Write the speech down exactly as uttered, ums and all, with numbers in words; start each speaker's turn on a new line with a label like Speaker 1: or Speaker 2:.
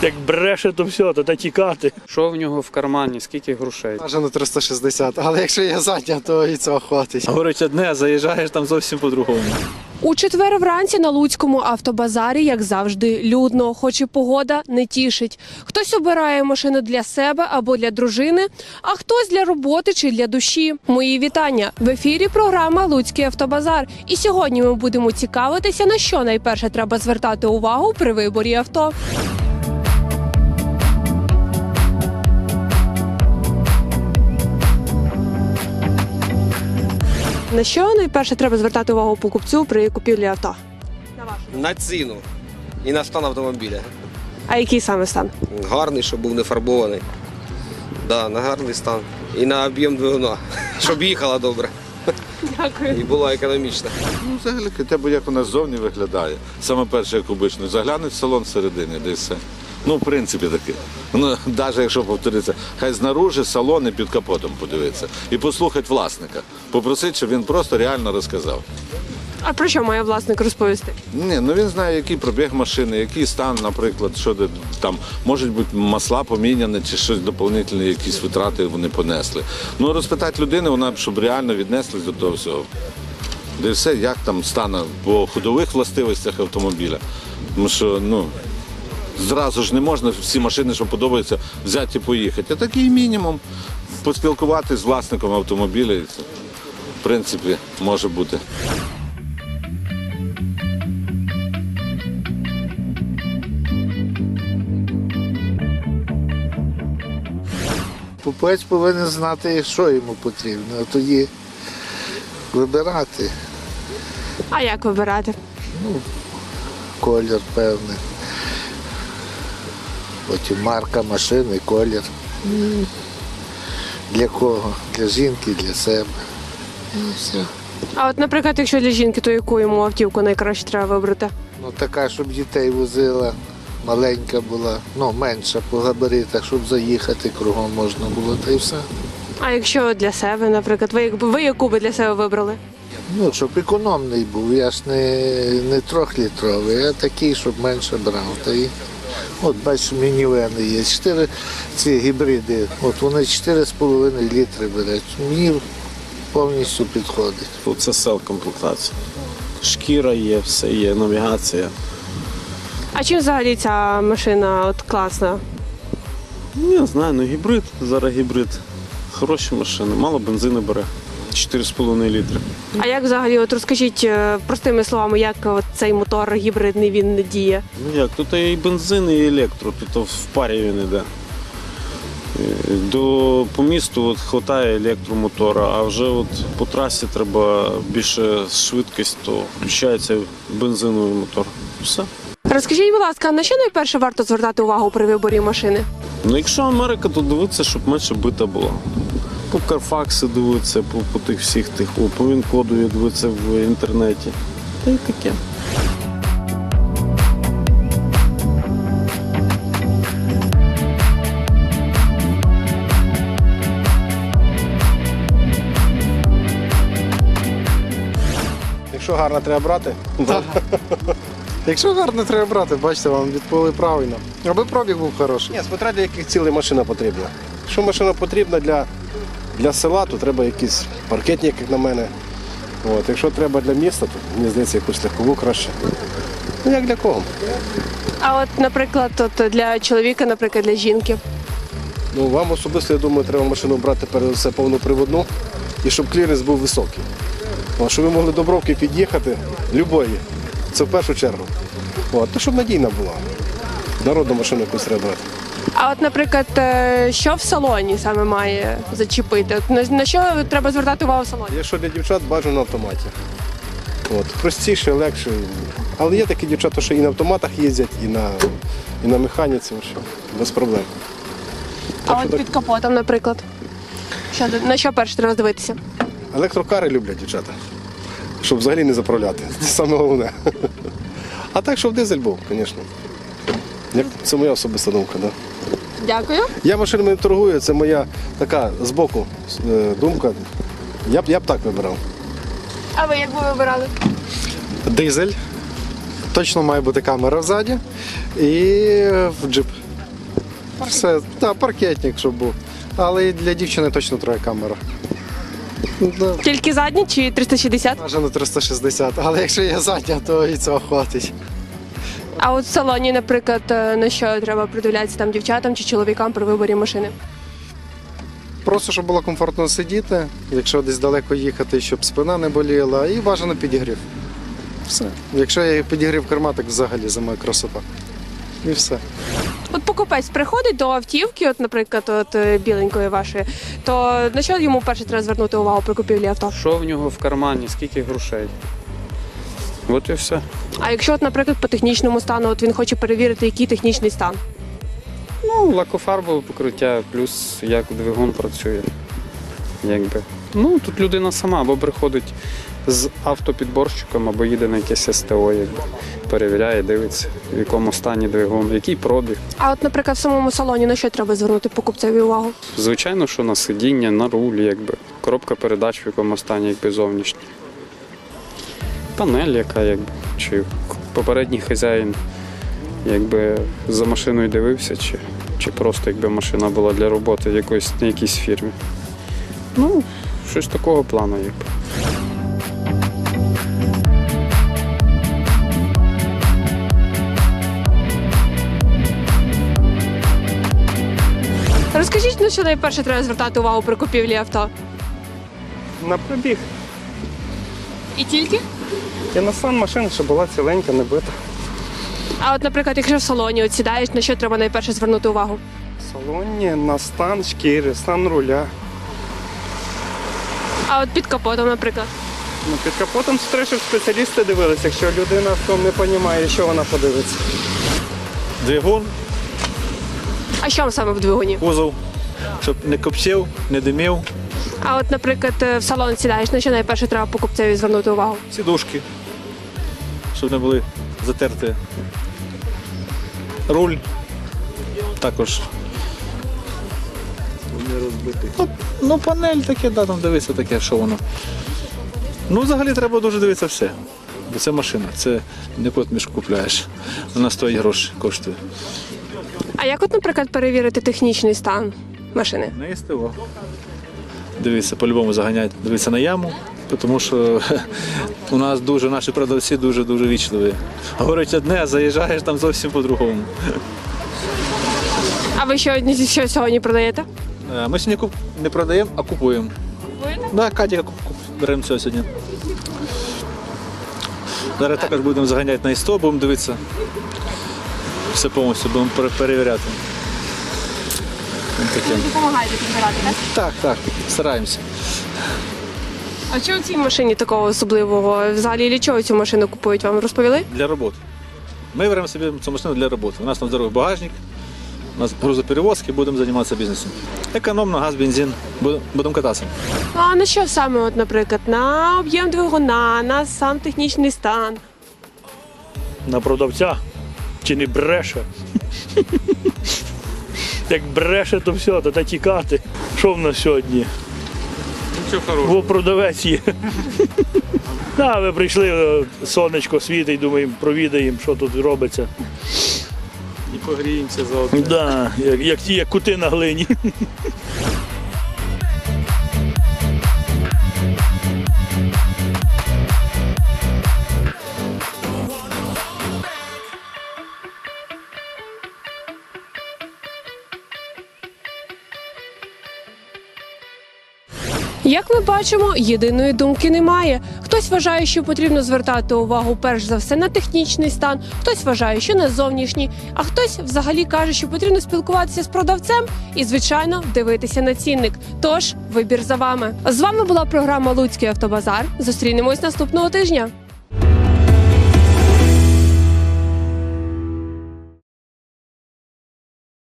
Speaker 1: Як бреше, то все, то та тікати.
Speaker 2: Що в нього в кармані, скільки грошей?
Speaker 3: Аж на триста шістдесят, але якщо є задня, то і цього хватить.
Speaker 4: Говорить одне, а заїжджаєш там зовсім по-другому.
Speaker 5: У четвер вранці на Луцькому автобазарі, як завжди, людно, хоч і погода не тішить. Хтось обирає машину для себе або для дружини, а хтось для роботи чи для душі. Мої вітання! В ефірі програма «Луцький автобазар». І сьогодні ми будемо цікавитися, на що найперше треба звертати увагу при виборі авто. На що найперше треба звертати увагу покупцю при купівлі авто?
Speaker 6: На ціну і на стан автомобіля.
Speaker 5: А який саме стан?
Speaker 6: Гарний, щоб був не фарбований. Да, на гарний стан. І на об'єм двигуна, щоб їхала добре.
Speaker 5: Дякую.
Speaker 6: І була економічна.
Speaker 7: Ну, взагалі, хоча б як вона ззовні виглядає. Саме перше, як обично, заглянуть в салон всередині, де все. Ну, в принципі, таке. Ну, навіть якщо повториться, хай знаружи салон і під капотом подивитися. І послухати власника. Попросити, щоб він просто реально розказав.
Speaker 5: А про що має власник розповісти?
Speaker 7: Ні, ну він знає, який пробіг машини, який стан, наприклад, що де там, можуть бути масла поміняні чи щось доповнительне, якісь витрати вони понесли. Ну, розпитати людину, вона, щоб реально віднеслась до того всього. Де все, як там стане по ходових властивостях автомобіля. Тому що, ну, зразу ж не можна всі машини, що подобаються, взяти і поїхати. А такий мінімум поспілкуватися з власником автомобіля, і це, в принципі, може бути.
Speaker 8: Купець повинен знати, що йому потрібно, а тоді вибирати.
Speaker 5: А як вибирати?
Speaker 8: Колір певний. Потім марка машини, колір. Для кого? Для жінки, для себе. І все.
Speaker 5: А от, наприклад, якщо для жінки, то яку йому автівку найкраще треба вибрати?
Speaker 8: Ну, така, щоб дітей возила, маленька була, ну, менша по габаритах, щоб заїхати кругом можна було, та й все.
Speaker 5: А якщо для себе, наприклад, ви, ви яку би для себе вибрали?
Speaker 8: Ну, щоб економний був, я ж не, не трьохлітровий, а такий, щоб менше брав. Та й, от, бачиш, мінівени є, чотири ці гібриди, от вони чотири з половиною літри беруть. Мені повністю підходить.
Speaker 9: Це сел-комплектація. Шкіра є, все є, навігація.
Speaker 5: А чим взагалі ця машина от класна?
Speaker 9: Ну, я знаю, ну гібрид, зараз гібрид. Хороші машини, мало бензину бере. чотири з половиною літри.
Speaker 5: А як взагалі, от розкажіть е, простими словами, як от цей мотор гібридний він діє?
Speaker 9: Ну як, тут і бензин, і електро, тут в парі він йде. До, по місту от, хватає електромотора, а вже от, по трасі треба більше швидкість, то включається бензиновий мотор. Все.
Speaker 5: Розкажіть, будь ласка, на що найперше варто звертати увагу при виборі машини?
Speaker 9: Ну, якщо Америка, то дивитися, щоб менше бита була. По Карфаксу дивитися, по, по тих всіх тих, о, по Вінкоду дивитися в інтернеті. Та й таке.
Speaker 3: Якщо гарно, треба брати. Якщо гарно, треба брати, бачите, вам відповіли правильно. Аби пробіг був хороший.
Speaker 10: Ні, смотря для яких цілей машина потрібна. Якщо машина потрібна для, для села, то треба якийсь паркетник, як на мене. От. Якщо треба для міста, то мені здається, якусь легкову краще. Ну, як для кого?
Speaker 5: А от, наприклад, от для чоловіка, наприклад, для жінки.
Speaker 10: Ну, вам особисто, я думаю, треба машину брати перед все повноприводну і щоб кліренс був високий. От, щоб ви могли до бровки під'їхати, любої. Це в першу чергу. От, то, щоб надійна була. Народну машину якусь треба брати.
Speaker 5: А от, наприклад, е, що в салоні саме має зачепити? От на, на що треба звертати увагу в салоні?
Speaker 10: Якщо для дівчат, бажано на автоматі. От, простіше, легше. Але є такі дівчата, що і на автоматах їздять, і на, і на механіці, що, без проблем.
Speaker 5: А
Speaker 10: Так,
Speaker 5: от
Speaker 10: що так,
Speaker 5: під капотом, наприклад. Що, на що перше треба дивитися?
Speaker 10: електрокари люблять дівчата, щоб взагалі не заправляти. Це саме головне. А так, щоб дизель був, звісно. Як- Це моя особиста думка. Да.
Speaker 5: Дякую.
Speaker 10: Я машинами не торгую, це моя така збоку е, думка. Я б, я б так вибирав.
Speaker 5: А ви як би вибирали?
Speaker 3: Дизель. Точно має бути камера взаді. І в джип. Все, так, паркетник, щоб був. Але і для дівчини точно треба камера. Да,
Speaker 5: Тільки задні чи триста шістдесят?
Speaker 3: бажано триста шістдесят, але якщо є задня, то і цього хватить.
Speaker 5: А от в салоні, наприклад, е, на що треба придивлятися там дівчатам чи чоловікам при виборі машини?
Speaker 3: Просто, щоб було комфортно сидіти, якщо десь далеко їхати, щоб спина не боліла, і бажано підігрів. Все. Якщо є підігрів керма, так взагалі зимою красота. І все.
Speaker 5: От покупець приходить до автівки, от, наприклад, от е, біленької вашої, то на що йому перше треба звернути увагу при купівлі авто?
Speaker 2: Що в нього в кармані, скільки грошей? От і все.
Speaker 5: А якщо, от, наприклад, по технічному стану, от він хоче перевірити, який технічний стан?
Speaker 2: Ну, лакофарбове покриття, плюс як двигун працює. Якби. Ну, тут людина сама або приходить з автопідборщиком, або їде на якесь ес те о, якби. Перевіряє, дивиться, в якому стані двигун, який пробіг.
Speaker 5: А от, наприклад, в самому салоні на що треба звернути покупцеві увагу?
Speaker 2: Звичайно, що на сидіння, на руль, якби. Коробка передач в якому стані, якби зовнішня. Панель, яка, якби, чи попередній хазяїн, якби за машиною дивився, чи, чи просто якби машина була для роботи в якоїсь, на якійсь фірмі. Ну, щось такого плану, якби.
Speaker 5: Розкажіть, на що найперше треба звертати увагу при купівлі авто?
Speaker 1: На пробіг.
Speaker 5: І тільки?
Speaker 1: І на стан машини, щоб була ціленька, не бита.
Speaker 5: А от, наприклад, якщо в салоні от сідаєш, на що треба найперше звернути увагу?
Speaker 1: В салоні, на стан шкіри, стан руля.
Speaker 5: А от під капотом, наприклад.
Speaker 1: Ну, під капотом треба, щоб спеціалісти дивилися. Якщо людина в тому не розуміє, що вона подивиться.
Speaker 4: Двигун,
Speaker 5: А що саме в двигуні?
Speaker 4: кузов, щоб не копсів, не димів,
Speaker 5: А от, наприклад, в салон сідаєш, на що найперше треба покупцеві звернути увагу?
Speaker 4: сідушки, щоб не були затерті. Руль також. Ну, ну, панель таке, да, там дивися таке, що воно. Ну, взагалі треба дуже дивитися все. Бо це машина, це не кот мішку купляєш. Вона стоїть гроші, коштує.
Speaker 5: А як от, наприклад, перевірити технічний стан машини?
Speaker 4: На ес те о. Дивіться, по-любому заганяють, дивіться на яму, тому що у нас дуже, наші продавці дуже-дуже вічливі. Говорять одне, а заїжджаєш там зовсім по-другому.
Speaker 5: А ви що, що сьогодні продаєте?
Speaker 4: Е, Ми сьогодні куп... не продаємо, а купуємо.
Speaker 5: Купуєте?
Speaker 4: Так, да, Катя куп... куп... беремо цього сьогодні. Зараз також будемо заганяти на ес те о, будемо дивитися. Все повністю будемо пере- перевіряти. Ось таке.
Speaker 5: Допомагаєте підбирати, так?
Speaker 4: Так, так, стараємося.
Speaker 5: А що у цій машині такого особливого? Взагалі для чого цю машину купують? Вам розповіли?
Speaker 4: Для роботи. Ми беремо собі цю машину для роботи. У нас там здоровий багажник, у нас грузоперевозки, будемо займатися бізнесом. Економно, газ, бензин, будемо- будемо кататися.
Speaker 5: А на що саме, от, наприклад, на об'єм двигуна, на сам технічний стан?
Speaker 1: На продавця. Чи не бреше? Як бреше, то все, то та тікати. Що в нас сьогодні?
Speaker 2: Нічого хорошого.
Speaker 1: Бо продавець є. Да, ви прийшли, е, сонечко світить, думаємо, провідаємо, що тут робиться.
Speaker 2: І погріємося заодно.
Speaker 1: Да, як, як ті, як кути на глині.
Speaker 5: Як ми бачимо, єдиної думки немає. Хтось вважає, що потрібно звертати увагу перш за все на технічний стан, хтось вважає, що на зовнішній, а хтось взагалі каже, що потрібно спілкуватися з продавцем і, звичайно, дивитися на цінник. Тож, вибір за вами. З вами була програма «Луцький автобазар». Зустрінемось наступного тижня.